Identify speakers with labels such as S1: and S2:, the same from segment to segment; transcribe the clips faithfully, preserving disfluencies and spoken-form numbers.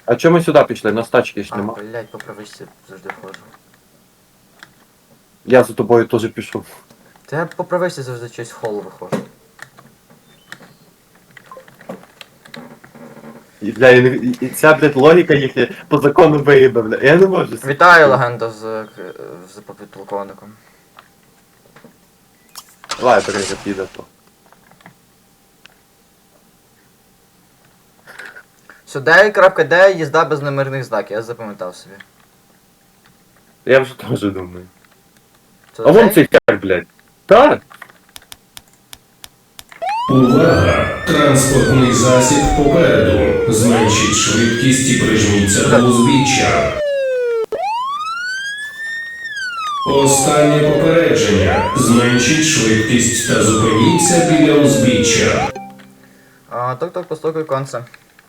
S1: А чому ми сюди пішли? На стачки ж
S2: А,
S1: нема.
S2: блядь, по правичці завжди ходжу.
S1: Я за тобою теж пішов.
S2: Та я по правичці завжди щось в хол виходжу.
S1: І, бля, і, і, і ця, блядь, логіка їхня по закону виїбе, бля. Я не можу.
S2: Вітаю, легенда з, е, з підполковником.
S1: Давай, перейде, піде то.
S2: Сюди крапка Д, їзда без номерних знаків, я запам'ятав собі.
S1: Я вже теж думаю.
S2: Це
S1: А вон
S2: цей?
S1: цей хер, блядь. Так?
S3: Увага! Транспортний засіб попереду. Зменшіть швидкість і прижміться до узбіччя. Останнє попередження. Зменшіть швидкість та зупиніться біля узбіччя.
S2: А, ток-ток, постукай конце.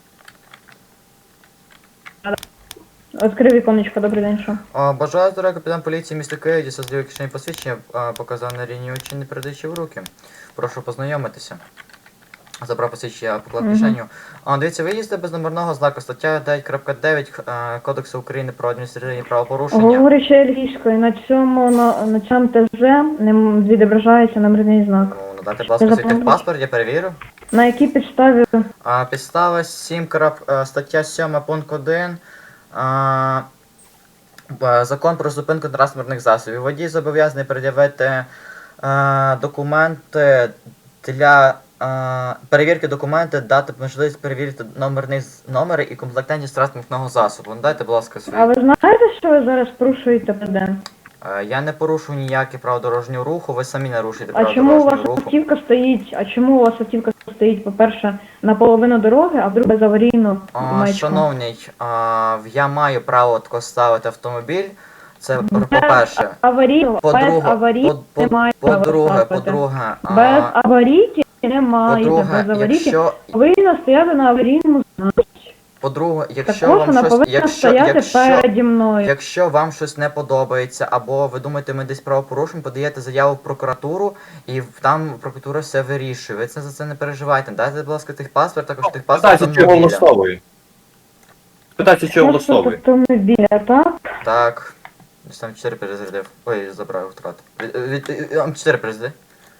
S4: Відкрив віконечко, добрий день, що?
S2: А, бажаю здоров'я, капітан поліції міста Києва, дістав з кишені посвідчення, а, показав на рівні очі, не передаючи в руки. Прошу познайомитися. Забрав посвідчення, поклав
S4: Мгм.
S2: кишеню. А, дивіться, ви їздите без номерного знаку, стаття дев'ять крапка дев'ять е, Кодексу України про адміністративні правопорушення.
S4: Говорячи англійською, на цьому, на, на цьому ТЗ не м- відображається номерний знак.
S2: Ну, надати, будь ласка,
S4: Це
S2: свій
S4: запам'ятаю.
S2: паспорт, я перевірю.
S4: На якій підставі?
S2: А, підстава сім, крап, е, стаття сьома, пункт один. А, б- Закон про зупинку транспортних засобів. Водій зобов'язаний пред'явити е, документи для е, перевірки документи, дати можливість перевірити номерний з- номери і комплектантність транспортного засобу. Надайте, будь ласка, свій.
S4: А ви знаєте, що ви зараз порушуєте ПД?
S2: Е, Я не порушую ніякі правила дорожнього руху, ви самі нарушуєте
S4: А
S2: правила
S4: чому у вас
S2: дорожнього руху.
S4: автівка стоїть? А чому у вас автівка стоїть, по-перше, наполовину дороги, а вдруге без аварійну
S2: А,
S4: маячку?
S2: шановний, а, я маю право тако ставити автомобіль. Це
S4: Без
S2: по-перше.
S4: аварійного, без
S2: По-друге,
S4: аварійки
S2: по-
S4: немає
S2: по-
S4: права
S2: по-друге,
S4: ставити.
S2: по-друге, а,
S4: Без аварійки немає,
S2: по-друге,
S4: без аварійки
S2: якщо,
S4: повинна стояти на аварійному знаку.
S2: по-друге, якщо
S4: Також
S2: вам
S4: вона
S2: щось,
S4: повинна
S2: якщо,
S4: стояти
S2: якщо,
S4: переді мною.
S2: якщо вам щось не подобається, або ви думаєте, ми десь правопорушимо, подаєте заяву в прокуратуру, і в- там прокуратура все вирішує. Ви це за це не переживайте. Дайте, будь ласка, тих паспорт, також тих паспорт
S1: Питайся, чого
S2: автомобіля.
S1: влаштовує. Питайся, чого
S4: Просто
S1: влаштовує.
S4: автомобіля, так?
S2: Так. Десь там чотири перезарядив. Ой, забрав втрату. чотири перезаряди.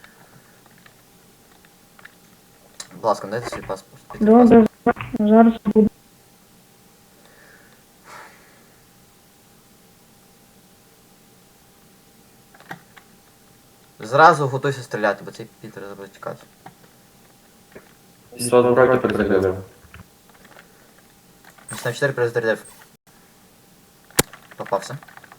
S2: Будь ласка, дайте свій паспорт. Дайте
S4: Добре, зараз буду.
S2: Зразу готуйся стріляти, бо цей Пітер буде тікати.
S1: Сразу брати перезарядив.
S2: Десь там чотири перезарядив. Попався.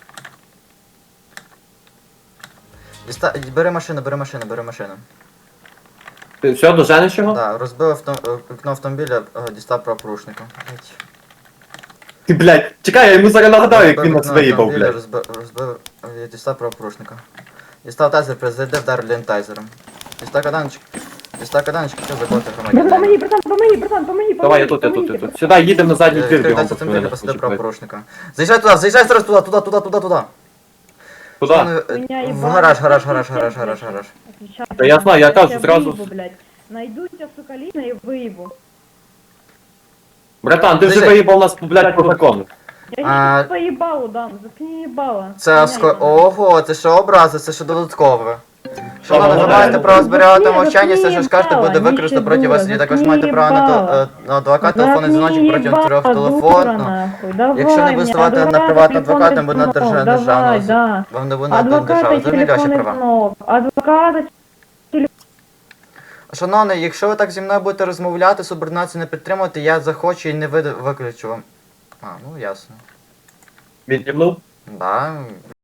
S2: Діста... Бери машину, бери машину, бери машину.
S1: Ти все, доженеш його?
S2: Так, розбив авто... е, вікно автомобіля, е, дістав правопорушника. Блять.
S1: Ти, блядь, чекай, я йому зараз нагадаю, як він нас
S2: Розбив
S1: виїбав,
S2: автомобіля,
S1: блядь.
S2: Розбив, розбив, е, дістав правопорушника. Дістав тайзер, перезарядив, вдарив лентайзером. Дістав каданчик. Дістав каданчик, що заколоти
S4: Братан, помоги,
S2: громадянина.
S4: братан, помоги, братан, помоги,
S1: Давай, я
S4: помоги,
S1: тут, я тут,
S4: помоги.
S1: я тут. Сюди, їдемо на задній двір, бігом
S2: Відкривайте
S1: пацани,
S2: автомобіль,
S1: нас
S2: посадив
S1: почекають.
S2: правопорушника. Заїжджай туди, заїжджай зараз туди, туди, туди, туди, туди, туди.
S1: Куди?
S4: Меня
S2: В
S4: ебать.
S2: гараж, гараж, гараж, гараж, гараж, гараж.
S4: Отвечаю.
S1: Та я знаю, я кажу,
S4: тебя
S1: зразу-
S4: выебу, блядь. Найду тебя, сука, лично и выебу.
S1: Братан, ти вже
S2: Дивись.
S1: виїбав нас, блядь, по закону.
S4: Я
S2: А-
S4: сейчас по ебалу дам, заткни ебало.
S2: Це
S4: Меня
S2: ско...
S4: ебало.
S2: Ого, це що образи, це що додаткове. Шановні, ви
S1: Ага.
S2: маєте право зберігати
S4: Заткни,
S2: мовчання, все, що
S4: заткни
S2: скажете, буде
S4: їбало,
S2: використано проти вас. І
S4: нічого,
S2: також
S4: заткни
S2: маєте право на,
S4: їбало.
S2: те- е, на адвокат, телефонний
S4: Заткни
S2: дзвіночок протягом
S4: ебало,
S2: трьох
S4: дура,
S2: телефон. Ну,
S4: нахуй. Давай
S2: якщо не
S4: мне,
S2: виставати на
S4: адвоката,
S2: приватного
S4: телефонний
S2: адвоката, буде на
S4: звонок,
S2: держа-
S4: давай,
S2: державного.
S4: да.
S2: Вам не буде на державу.
S4: Адвоката,
S2: Зрозуміли ваші
S4: телефонний
S2: права.
S4: звонок. Адвоката,
S2: Шановний, якщо ви так зі мною будете розмовляти, субординацію не підтримувати, я захочу і не вид- виключу вам. А, ну ясно.
S1: Від'єбнув?
S2: Да,